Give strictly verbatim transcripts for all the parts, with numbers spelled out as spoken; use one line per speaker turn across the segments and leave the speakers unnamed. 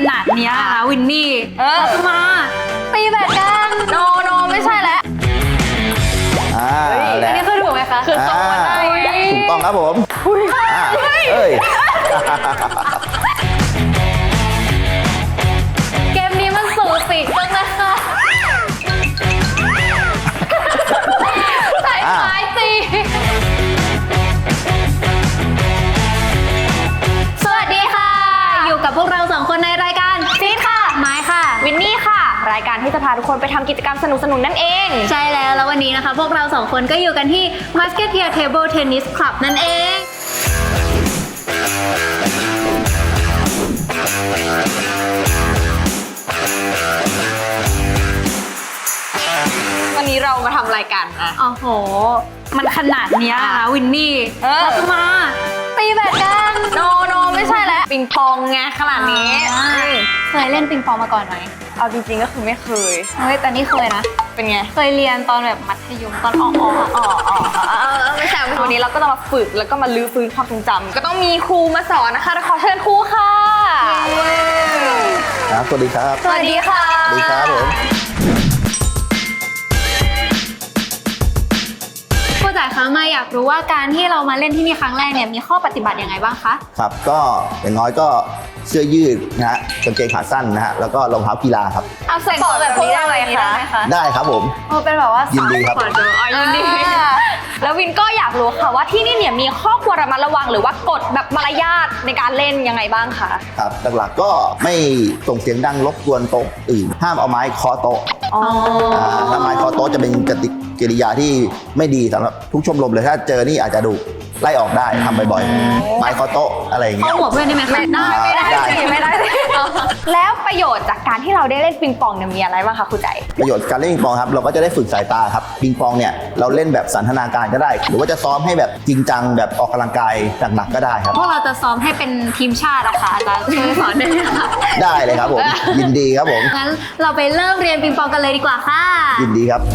นาดนี้นะคะวินนี่เราจะมาตีแบดกันโนโนไม่ใช่แล้ว
อ่า
อันนี้คือถูกไหมคะคือตรงมาได้
ถูกต้องครับผมอ่าเอ้ย
เกมนี้มันสูสีจังเลยค่ะใส่ไม้สิสวัสดีค่ะอยู่กับพวกเราสองคนในรายการซีดค่ะไม้ค่ะ
วินนี่ค่ะรายการที่จะพาทุกคนไปทำกิจกรรมสนุกๆนั่นเอง
ใช่แล้วแล้ววันนี้นะคะพวกเราสองคนก็อยู่กันที่ Musketeer Table Tennis Club นั่นเอง
วันนี้เรามาทำรายการอ่ะ
โอ้โหมันขนาดนี้นะคะวินนี่เราจะมาตีแบดกัน
โนโนไม่ใช่แล้วปิงปองไงขนาดนี้
เคยเล่นปิงปองมาก่อนไหม
เอาจริงๆก็คือไม่เคย
เฮ้ยแต่นี่เคยนะ
เป็นไง
เคยเรียนตอนแบบมัธยมตอนอ่ออ่ออ่ออ่อ
ไม่ใช่วันนี้เราก็จะมาฝึกแล้วก็มาลื้อฟื้นความทรงจำก็ต้องมีครูมาสอนนะคะขอเชิญครูค่ะ
ครับสวัสดีครับ
สวัสดีค่ะ
สวัสดีครับผม
ครูจ๋าคะมาอยากรู้ว่าการที่เรามาเล่นที่นี่ครั้งแรกเนี่ยมีข้อปฏิบัติยังไงบ้างคะ
ครับก็อย่างน้อยก็เสื้อยืดนะฮะกางเกงขาสั้นนะฮะแล้วก็รองเท้ากีฬาครับ
เอาใส่ก่อนแบบนี้ได้ไหมคะ
ได้ครับผม
โอ้เป็นแบบว่า
ยินดีครับ
ยินดีแล้ววินก็อยากรู้ค่ะว่าที่นี่เนี่ยมีข้อควรระมัดระวังหรือว่ากฎแบบมารยาทในการเล่นยังไงบ้างคะ
ครับหลักๆก็ไม่ส่งเสียงดังรบกวนโต๊ะอื่นห้ามเอาไม้เคาะโต๊ะถ้าไม้เคาะโต๊ะจะเป็นกติกิริยาที่ไม่ดีสำหรับทุกชมรมเลยถ้าเจอนี่อาจจะดูไล่ออกได้ทำบ่อยๆไม้เคาะโต๊ะอะไรอย่างเงี้ย
เข้าหัวเพื่อนได้ไหมคะ
ได้ไม่ได้ไม่ได้แล้วประโยชน์จากการที่เราได้เล่นปิงปองเนี่ยมีอะไรบ้างคะครูใจ
ประโยชน์การเล่นปิงปองครับเราก็จะได้ฝึกสายตาครับปิงปองเนี่ยเราเล่นแบบสันทนาการก็ได้หรือว่าจะซ้อมให้แบบจริงจังแบบออกกำลังกายหนักๆก็ได้ครับ
พวกเราจะซ้อมให้เป็นทีมชาติอะค่ะอาจารย์ช่วยสอนได้ไหมคะ
ได้เลยครับผมยินดีครับผม
งั้นเราไปเริ่มเรียนปิงปองกันเลยดีกว่าค่ะ
ยินดีครับ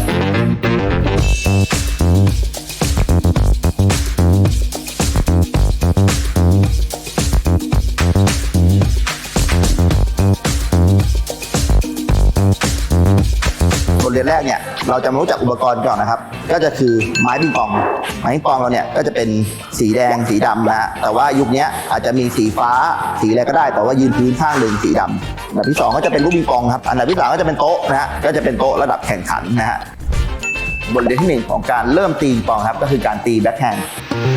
บทเรียนแรกเนี่ยเราจะมารู้จักอุปกรณ์ก่อนนะครับก็จะคือไม้ปิงปองไม้ปิงปองเราเนี่ยก็จะเป็นสีแดงสีดำนะฮะแต่ว่ายุคนี้อาจจะมีสีฟ้าสีอะไรก็ได้แต่ว่ายืนพื้นข้างหนึ่งสีดำอันดับที่สองก็จะเป็นลูกปิงปองครับอันดับที่สามก็จะเป็นโต๊ะนะฮะก็จะเป็นโต๊ะระดับแข่งขันนะฮะบทเรียนที่หนึ่งของการเริ่มตีปิงปองครับก็คือการตีแบ็คแฮนด์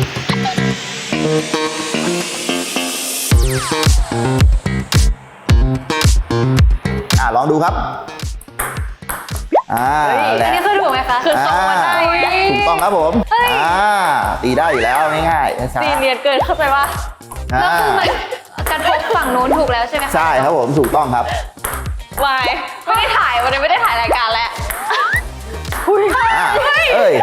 อ่าลองดูครับอ่า
อันนี้คือถูกไหมคะคือตรงมาได้
ถูกต้องครับผมอ่าตีได้อยู่แล้วง่ายๆ
ตีเนียนเกินเข้าใจว่า
ก็คือมันกระทบฝั่งโน้นถูกแล้วใช่ไหมคะ
ใช่ครับผมถูกต้องครับ
วายไม่ได้ถ่ายวันนี้ไม่ได้ถ่ายรายการแล้ว
เอ้ย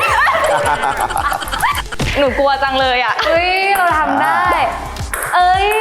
หนูกลัวจังเลยอ่ะ
เฮ้ยเราทำได้เอ้ย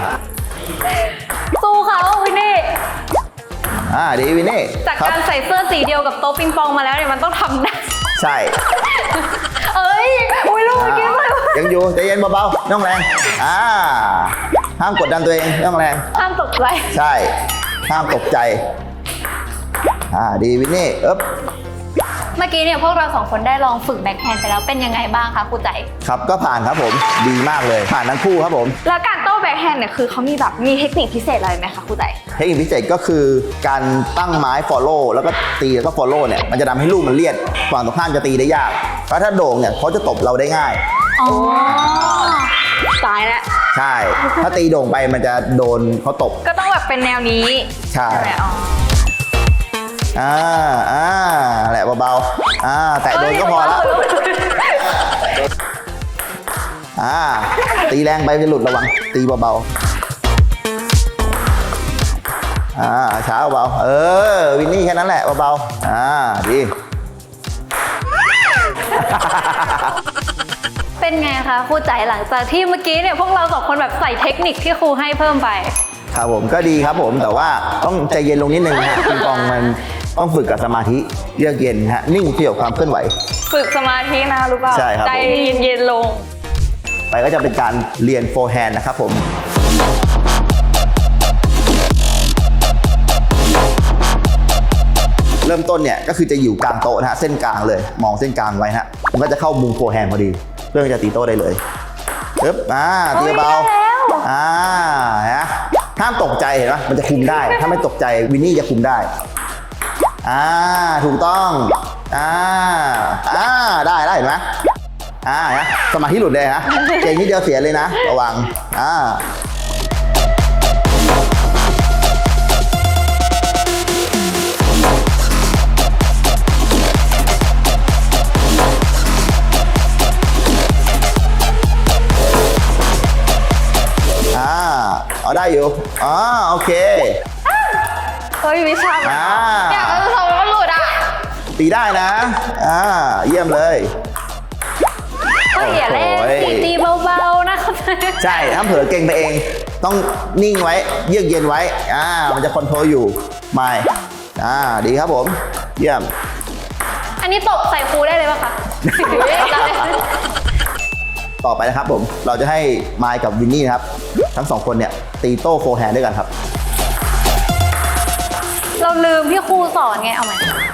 สู้เขาวินนี่
อ่าดีวินนี่
จากการใส่เสื้อสีเดียวกับโต๊ะปิงปองมาแล้วเนี่ยมันต้องทำได้
ใช่
เอ้ยอุ้ยลูกเมื่อกี้เลย
ยังอยู่ใจเย็นเบาๆน้องแรงอ่าห้ามกดดันตัวเองน้องแรง
ห้ามตกใจ
ใช่ห้ามตกใจอ่าดีวินนี่เอ๊บ
เมื่อกี้เนี่ยพวกเราสองคนได้ลองฝึกแบ็คแฮนด์ไปแล้วเป็นยังไงบ้างคะครูใจ
ครับก็ผ่านครับผมดีมากเลยผ่านทั้งคู่ครับผม
แล้วการโต้แบ็คแฮนด์เนี่ยคือเขามีแบบมีเทคนิคพิเศษอะไรไหมคะครูใจ
เทคนิคพิเศษก็คือการตั้งไม้ follow แล้วก็ตีแล้วก็ follow เนี่ยมันจะทำให้ลูกมันเลียดฝั่งตรงข้ามจะตีได้ยากเพราะถ้าโด่งเนี่ยเขาจะตบเราได้ง่าย
อ๋อ
ตายแล้ว
ใช่ถ้าตีโด่งไปมันจะโดนเขาตบ
ก็ต้องแบบเป็นแนวนี้
ใช่อ่าอ่าแหละเบาๆอ่าแตะโดนก็พอแล้วอ่าตีแรงไปจะหลุดระวังตีเบาๆอ่าช้าเบาเออวินนี่แค่นั้นแหละเบาๆอ่าดี
เป็นไงคะครูใจหลังจากที่เมื่อกี้เนี่ยพวกเราสองคนแบบใส่เทคนิคที่ครูให้เพิ่มไป
ครับผมก็ดีครับผมแต่ว่าต้องใจเย็นลงนิดนึงนะปิงปองมันต้องฝึกกับสมาธิเยือกเย็นฮะนิ่งเกี่ยวกับความเคลื่อนไหว
ฝึกสมาธินะรู้ป่ะ
ใช่ครับ
ใจเย็นๆลง
ไปก็จะเป็นการเรียนโฟร์แฮนด์นะครับผมเริ่มต้นเนี่ยก็คือจะอยู่กลางโต๊ะนะฮะเส้นกลางเลยมองเส้นกลางไว้นะฮะมันก็จะเข้ามุมโฟร์แฮนด์พอดีเพื่อจะตีโต๊ะได้เลยปึ๊บอ่าตีเบาอ่าฮะห้ามตกใจเห็นไหมมันจะคุมได้ถ้าไม่ตกใจวินนี่จะคุมได้อ่าถูกต้องอ่าอ่าได้ได้เห็นไหมอ่าฮะสมาธิหลุดเลยฮะเก่งนิดเดียวเสียเลยนะระวังอ่าเอาได้อยู่อ๋อโอเค
เฮ้ยวิชา
อ่า
อยากจะสอนมันหลุดอ่ะ
ตีได้นะอ่าเยี่ยมเลย
เฮ้ยอย่าเล่น
โอ้ย
สิตีเบาๆนะครับ
ใช่ถ้าเผลอเก่งไปเองต้องนิ่งไว้เยือกเย็นไว้อ่ามันจะคอนโทรลอยู่ไม่อ่าดีครับผมเยี่ยม
อันนี้ตบใส่ครูได้เลยป่ะคะ
ต่อไปนะครับผมเราจะให้ไมค์กับวินนี่นะครับทั้งสองคนเนี่ยตีโต้โฟร์แฮนด์ด้วยกันครับ
เราลืมที่ครูสอนไงเอาใหม่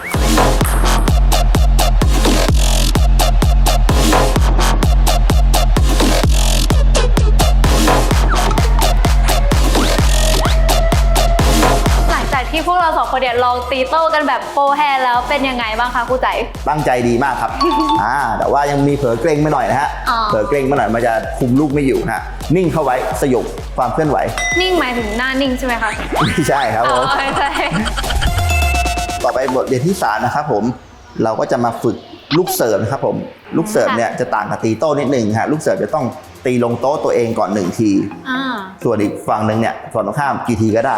หลังจากที่พวกเราสองคนเนี่ยลองตีโต้กันแบบโฟร์แฮนด์แล้วเป็นยังไงบ้างคะครูใจ
ตั้งใจดีมากครับ อ่าแต่ว่ายังมีเผลอเกรงไปหน่อยนะฮะ
อ๋อ
เผลอเกรงไปหน่อยมันจะคุมลูกไม่อยู่นะฮะนิ่งเข้าไว้สยบความเคลื่อนไหว
นิ่งหมายถึงหน้านิ่งใช่ไหมคะ
ไม่ใช่ครับ
อ๋
ผ
อ
ม
ใช่
ต่อไปบทเรียนที่สามนะครับผมเราก็จะมาฝึกลูกเสิร์ฟนะครับผมลูกเสิร์ฟเนี่ยจะต่างกับตีโต้นิดหนึ่งฮะลูกเสิร์ฟจะต้องตีลงโต๊ะตัวเองก่อนหนึ่งที
อ่า
ส่วนอีกฝั่งหนึ่งเนี่ยฝั่งตรงข้ามกี่ทีก็ได้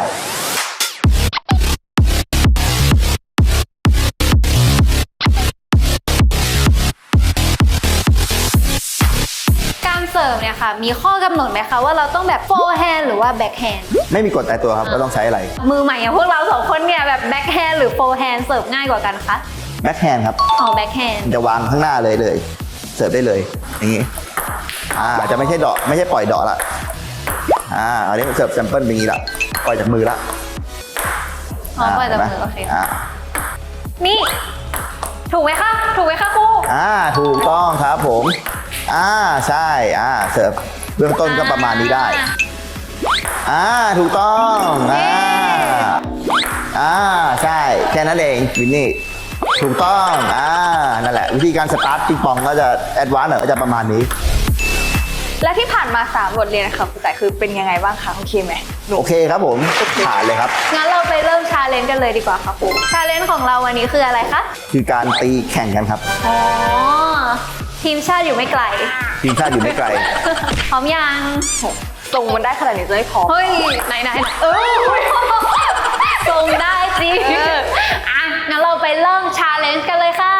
การเสิร์ฟเนี่ยค่ะมีข้อกำหนดไหมคะว่าเราต้องแบบโฟร์แฮนด์หรือว่าแบ็คแฮนด์
ไม่มีกฎตายตัวครับว่าต้องใช้อะไร
มือใหม่อย่างพวกเราสองคนเนี่ยแบบแบ็คแฮนด์หรือโฟร์แฮนด์เสิร์ฟง่ายกว่ากันคะ
แบ็คแฮนด์ครับ
อ๋อแบ็คแฮนด์
จะวางข้างหน้าเลยเลยเสิร์ฟได้เลยอย่างนี้อ่าจะไม่ใช่ดอกไม่ใช่ปล่อยดอกละอ่าอันนี้เสิร์ฟแซมเปิลเป็นอย่างนี้ละปล่อยจากมือละ
อ๋อปล่อยจากมือโอเค
อ่า
นี่ ถูกไหมคะถูกไหมคะครู
อ่าถูกต้องครับผมอ่าใช่อ่าเสิร์ฟเบื้องต้นก็ประมาณนี้ได้อ่าถูกต้องอ่าอ่าใช่แค่นั้นเองวินนี่ถูกต้องอ่านั่นแหละวิธีการสตาร์ทปิงปองก็จะแอดวานซ์หน่อยก็จะประมาณนี้
และที่ผ่านมาสามบทเรียนค่ะครูแต่คือเป็นยังไงบ้างคะโอเคไหม
โอเคครับผมผ่านเลยครับ
งั้นเราไปเริ่มชาเลนจ์กันเลยดีกว่าค่ะครูชาเลนจ์ของเราวันนี้คืออะไรคะ
คือการตีแข่งกันครับ
อ๋อ ทีมชาติอยู่ไม่ไกล
ทีมชาติอยู่ไม่ไกล
พร้อมยัง
ทรงมันได้ขนาดนี้จะไม่พอ
เฮ้ย ไหนไหนไหนเออส่งได้สิ
เออ
อ่ะ งั้นเราไปเริ่มชาเลนจ์กันเลยค่ะ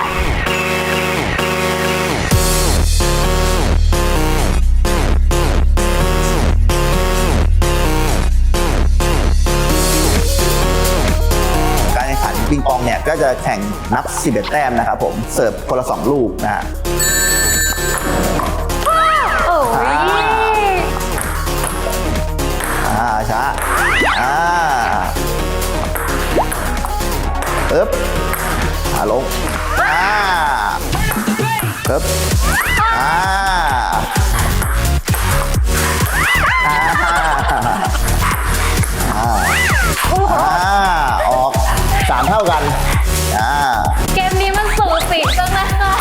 การแข่งขันปิงปองเนี่ยก็จะแข่งนับสิบเอ็ดแต้มนะครับผมเสิร์ฟคนละสองลูกนะฮะ
โอ้ย
อ่าช้าอ่าปึ๊บอ่าลงอ่าปึ๊บอ่าอ่าอ่าอ่าออกสามเท่ากันอ่า
เกมนี้มันสูสีจังนะคะ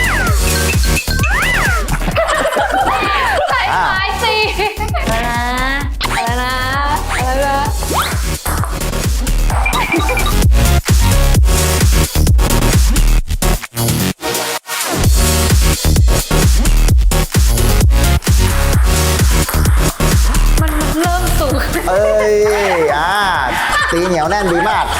ใส่ไม้สิอะไรนะอะไรนะอะไรนะมันเริ่มสูง
เอ้ยอ่าตีเหนียวแน่นดีมาก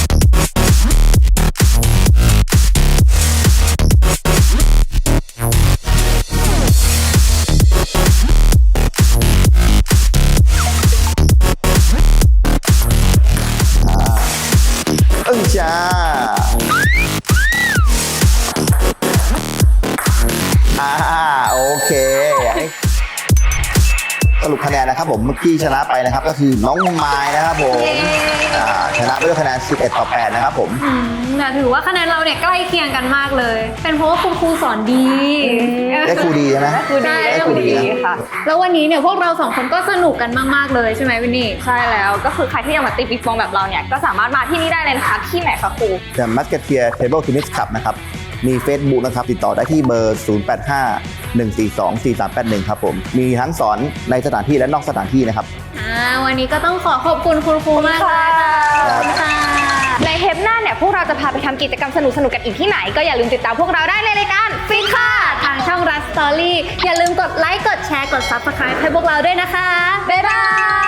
เอ้ยจ้าอ่าโอเคสรุปคะแนนนะครับผมเมื่อกี้ชนะไปนะครับก็คือน้องไม้นะครับผมอ่าชนะด้วยคะแนนสิบเอ็ดต่อแปดนะครับผม
อืมแต่ถือว่าคะแนนเราเนี่ยใกล้เคียงกันมากเลย เป็นเพราะว่าคุณครูสอนดี
ได้ครูดีใช่ไหม
คือดี
ได้
ได้
ครู
ครู
ดี
ดี
นะ
ค่ะ
แล้ววันนี้เนี่ยพวกเราสองคนก็สนุกกันมากๆเลยใช่ไหมวินนี่
ใช่แล้วก็คือใครที่อยากมาตีปิงปองแบบเราเนี่ยก็สามารถมาที่นี่ได้เลยนะคะที่ไหนคะครู
The Musketeer Table Tennis Club นะครับมี Facebook นะครับติดต่อได้ที่เบอร์ ศูนย์ แปด ห้า หนึ่ง สี่ สอง สี่ สาม แปด หนึ่ง ครับผมมีทั้งสอนในสถานที่และนอกสถานที่นะครับ
อ่าวันนี้ก็ต้องขอขอบคุณคุณครูมากเลยค่ะขอบคุณค่ะ
ในเทปหน้าเนี่ยพวกเราจะพาไปทำกิจกรรมสนุกๆกันอีกที่ไหนก็อย่าลืมติดตามพวกเราได้ในรายการฟินค่ะ
ทางช่องรัสสตอรี่อย่าลืมกดไลค์ กดแชร์ กด ซับสไครบ์ ให้พวกเราด้วยนะคะ
บ๊ายบาย